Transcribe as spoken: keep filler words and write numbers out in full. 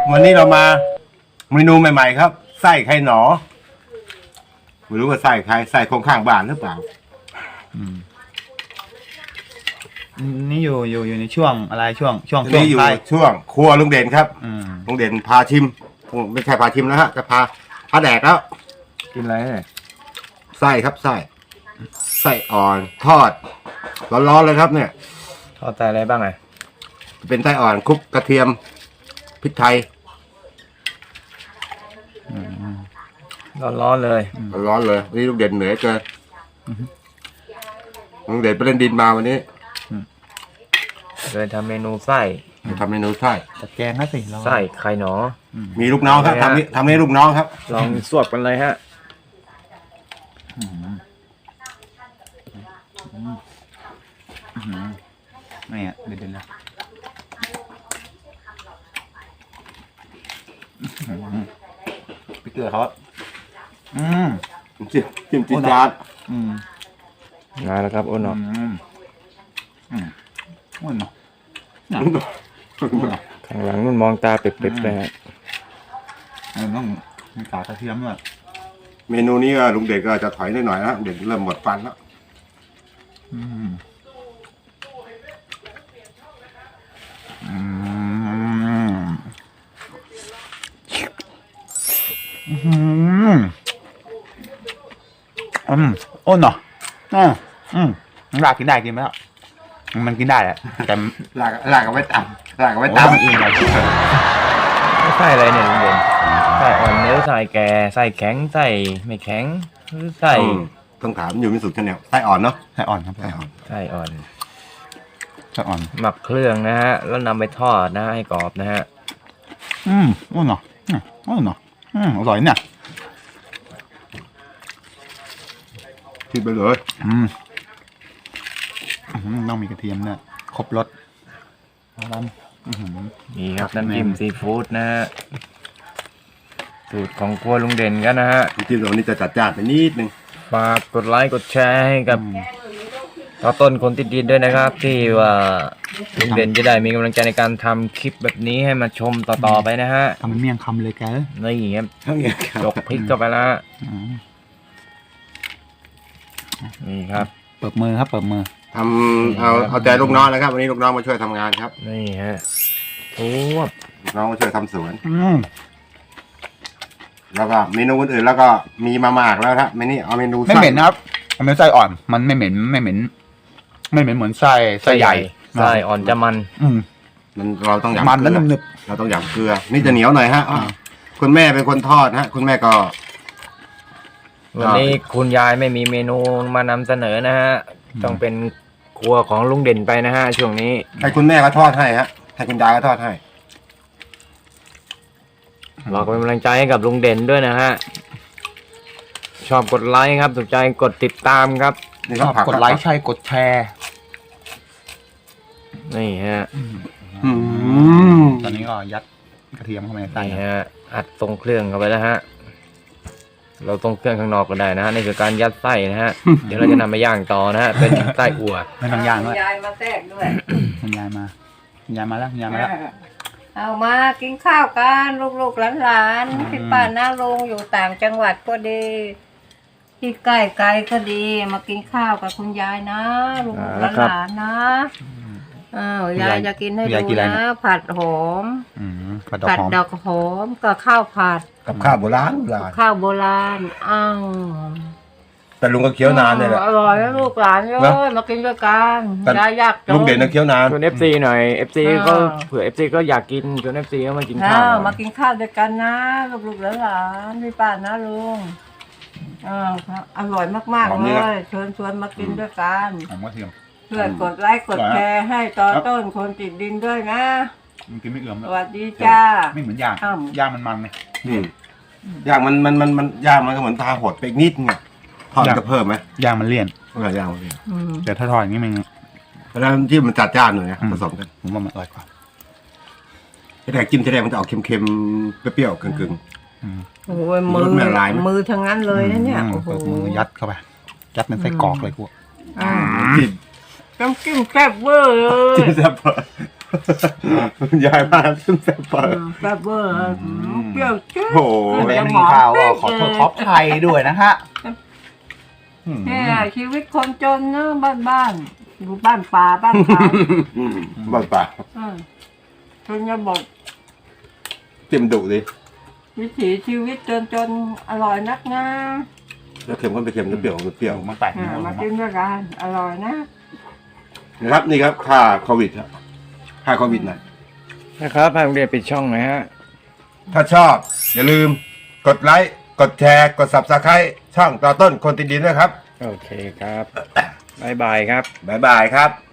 วันนี้เรามาเมนูใหม่ๆครับไส้ไข่หนอไม่รู้ว่าไส้ใครไส้ของข้างบ้านหรือเปล่านี่อยู่อยู่อยู่ในช่วงอะไรช่วงช่วงช่วงนี่อยู่ท้ายช่วงครัวลุงเด่นครับอืมลุงเด่นพาชิมไม่ใช่พาชิมแล้วฮะจะพาพาแดกแล้วกินอะไรเนี่ยไส้ครับไส้ไส้อ่อนทอดร้อนๆเลยครับเนี่ยทอดใส่อะไรบ้างอ่ะเป็นไส้อ่อนคลุกกระเทียมพริกไทยร้อนๆเลยร้อนเลยนี่ลุงเด่นเหนื่อยเกินลุงเด่นไปเล่นดินมาวันนี้เลยทำเมนูไส้ทำเมนูไส้แต่แกงนะสิเราไส้ไข่หนอมีลูกน้องครับทำนี่ทำให้ลูกน้องครับลองสวบกันเลยฮะอืมอืมอืมไม่อ่ะเด็ดๆนะอืมไปเกลือเขาอะอืมจิ้มจิ้มจิ้มจานอืมมาแล้วครับอ้นเนาะอืมอืมอ้วนเนาะอ้วนเนาะข้างหลังนุ่นมองตาเปิดๆเลยฮะเออต้องมีกากกระเทียมด้วยเมนูนี้ก็ลุงเด่นก็จะถอยนิดหน่อยนะลุงเด่นเริ่มหมดฟันแล้วอืมอืมอืมอืมอ้นเนาะอืมอืมลากกินได้กินไหมล่ะมันกินได้แหละแต่ลากลากเอาไว้ตำลากเอาไว้โอ้ตำมันเองเลยไส้อะไรเนี่ยลุงเด่นไส้อ่อนเนื้อไส้แก่ไส้แข็งไส้ไม่แข็งหรือไส้อืมต้องถามอยู่มิสุทธิ์ชาแนลไส้อ่อนเนาะไส้อ่อนครับไส้อ่อนไส้อ่อนไส้อ่อนหมักเครื่องนะฮะแล้วนำไปทอดนะให้กรอบนะฮะอืมอ้นเนาะอืมอ้นเนาะอืมอร่อยเนี่ยทิ้งไปเลยอืมอืมต้องมีกระเทียมเนี่ยครบรสร้ำอื้อหือนี่ครับครับน้ำจิ้มซีฟู้ดนะฮะสูตรของครัวลุงเด่นกันนะฮะน้ำจิ้มตัวนี้จะจัดจ้านไปนิดนึงฝากกดไลค์กดแชร์ให้กับต่อต้นคนติดดินด้วยนะครับ ที่ว่าลุงเด่นจะได้มีกำลังใจในการทำคลิปแบบนี้ให้มาชมต่อๆไปนะฮะทำเป็นเมี่ยงคำเลยแกนี่ครับทั้งนี้ครับยกพริกเข้าไปแล้วฮะอืมนี่ครับเปิดมือครับเปิดมือทำเอาเอาใจลูกน้องนะครับวันนี้ลูกน้องมาช่วยทำงานครับนี่ฮะโอ้ลูกน้องมาช่วยทำสวนอืมแล้วก็เมนูอื่นๆแล้วก็มีมามากแล้วครับเมนี่เอาเมนูไม่เหม็นนะครับมันเป็นไส้อ่อน มันไม่เหม็นไม่เหม็นไม่เหม็นเหมือนไส้ไส้ใหญ่ไส้อ่อนจะมันอืมมันเราต้องหยำมันเกแล้วลือหนึบเราต้องหยำเกลือ นี่จะเหนียวหน่อยฮะอ่ะอ่าคุณแม่เป็นคนทอดฮะ คุณแม่ก็วันนี้คุณยายไม่มีเมนูมานำเสนอนะฮะต้องเป็นครัวของลุงเด่นไปนะฮะช่วงนี้ให้คุณแม่ก็ทอดให้ฮะให้คุณยายก็ทอดให้เราก็เป็นกำลังใจให้กับลุงเด่นด้วยนะฮะชอบกดไลค์ครับถูกใจกดติดตามครับนี่ๆชก็อบผักกดไลค์ใช่กดแชร์นี่ฮะอืมตอนนี้ก็ยัดกระเทียมเข้าไปในไส้นี่ฮะอัดตรงเครื่องเข้าไปแล้วฮะเราตรงเครื่องข้างนอกก็ได้นะฮะนี่คือการยัดไส้นะฮะเดี๋ยวเราจะนำไปย่างต่อนะฮะเป็นไส้อั่วไม่ต้องย่างด้วยยายมาแทรกด้วยคุณยายมาคุณยายมาแล้วคุณยายมาแล้วเอามากินข้าวกันลูกๆหลานๆพี่ป้าน้าลุงอยู่ต่างจังหวัดก็ดีที่ใกล้ไกลก็ดี มากินข้าวกับคุณยายนะลูกๆหลานๆนะอ้าวยายจะกินให้ดูนะผัดหอมอืมกระดอกผัดหอมดอกหอมกับข้าวผัดกับข้าวโบราณโบราณข้าวโบราณอ้าวแต่ลุงก็เคี้ยวนานเนี่ยแหละอร่อยนะลูกหลานเลนะยมากินด้วยกันแต่ยายอยากจลุงเด่นนะเคี้ยวนานชวนเอฟซีหน่อยเอฟซีอ่าก็เผื่อเอฟซีก็อยากกินชวนเอฟซีก็มากินข้าอ้าว วหน่มาอยกินข้าวด้วยกันนะลูกๆหลานๆพี่ป้านะลุงอ้าวครับอร่อยมากหอมๆดีเลนะยเชิญชวนมากินด้วยกันหอมกระเทียมเพื่อกดไลค์กดแชร์ให้ต่อต้นคนติดดินด้วยนะมันกินไม่เอื่อมสแล้ววัสดีจ้าไม่เหมือนย่างอ้าวย่างมันมันไงอืมย่างมันมันมันมันย่างมันก็เหมือนทาหดไปอีกนิดไงทอดย่างจะเพิ่มไหมย่างมันเลี่ยนเออย่างมันเนี่ยอืมแต่ถ้าทอดอย่างนี้มันเพราะฉะนั้นที่มันจัดจ้านหน่อยนะอืมผสมกันผมว่ามันอร่อยกว่าที่แรกจิ้มที่แรกมันจะออกเค็มๆเปรี้ยวๆกึ่งอืมโอ้ยมือรสแม่ลายไหมมือทั้งนั้นเลยนะเนี่ยอืมโอ้โหเปิดมือยัดเข้าไปยัดเป็นไส้กรอกเลยกูอ่าๆจิ้มน้ำจิ้มแซ่บเวอร์เลยจิ้มแซ่บคุณยายมาขึ้นแซ่บเปิดแซ่บเวอร์เปรี้ยวจี๊ดโอ้โหแม่มีข่าวว่าขอโทษท็อปไทยด้วยนะฮะอืมเนี่ยชีวิตคนจนเนอะบ้านบ้านๆอยู่บ้านป่าบ้านเขาบ้าป่าอืมชนบทเต็มดุดิวิถีชีวิตจนจนๆอร่อยนักนะแล้วเค็มก็ไปเค็มแล้วเปรี้ยวก็เปรี้ยวมันแปลกอ่านะมากินด้วยกันอร่อยนะนะครับนี่ครับค่าโควิดครับค่าโควิดหน่อยนะครับให้โรงเรียนปิดช่องหน่อยฮะถ้าชอบ อย่าลืมกดไลค์กดแชร์กด ซับสไครบ์ช่องต่อต้นคนติดดินด้วยครับโอเคครับ บ๊ายบายครับบ๊ายบายครับ